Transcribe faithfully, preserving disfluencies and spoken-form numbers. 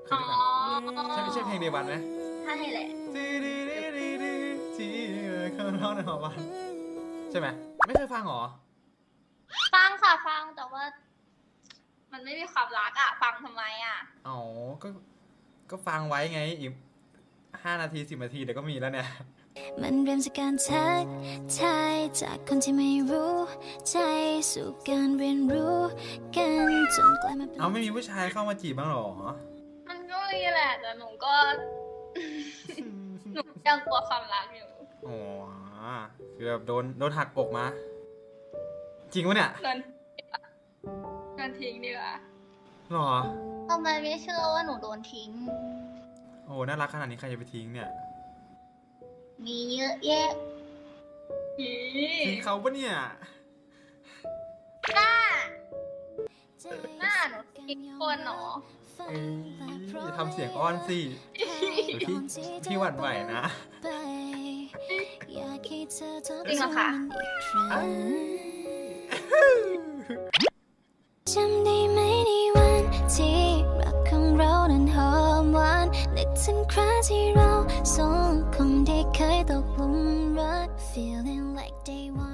เคยได้ฟังใช่ไม่ใช่เพลงเดวันไหมใช่แหละจีดีดีดีดีจีข้างนอกในหอวันใช่ไหมไม่เคยฟังหรอฟังค่ะฟังแต่ว่า มันไม่มีความรักอะฟังทำไมอะอ๋อก็ก็ฟังไว้ไงอีกห้านาทีสิบนาทีเดี๋ยวก็มีแล้วเนี่ยมันเริ่มจากการทักทายจากคนที่ไม่รู้ใจสู่การเรียนรู้กันจนกลายมาเป็นเอาไม่มีผู้ชายเข้ามาจีบบ้างหรอมันก็มีแหละแต่หนูก็ หนูยังกลัวความรักอยู่อ๋อคือแบบโดนโดนหักอกมาจริงวะเนี่ยโดนโดนทิ้งดีกว่าหรอทำไมไม่เชื่อว่าหนูโดนทิ้งโอ้น่ารักขนาดนี้ใครจะไปทิ้งเนี่ยมีเยอะแยะทิ้งเขาปะเนี่ยหน้าหน้าหนูทิ้งคนหรออย่าทำเสียงอ้อนสิพี่พี่หวั่นไหวนะจริงเหรอคะจำได้ไหมในวันที่รักของเรานั้นหอมหวานนึกถึงคราที่เราสองคนได้เคยตกหลุมรัก feeling like day one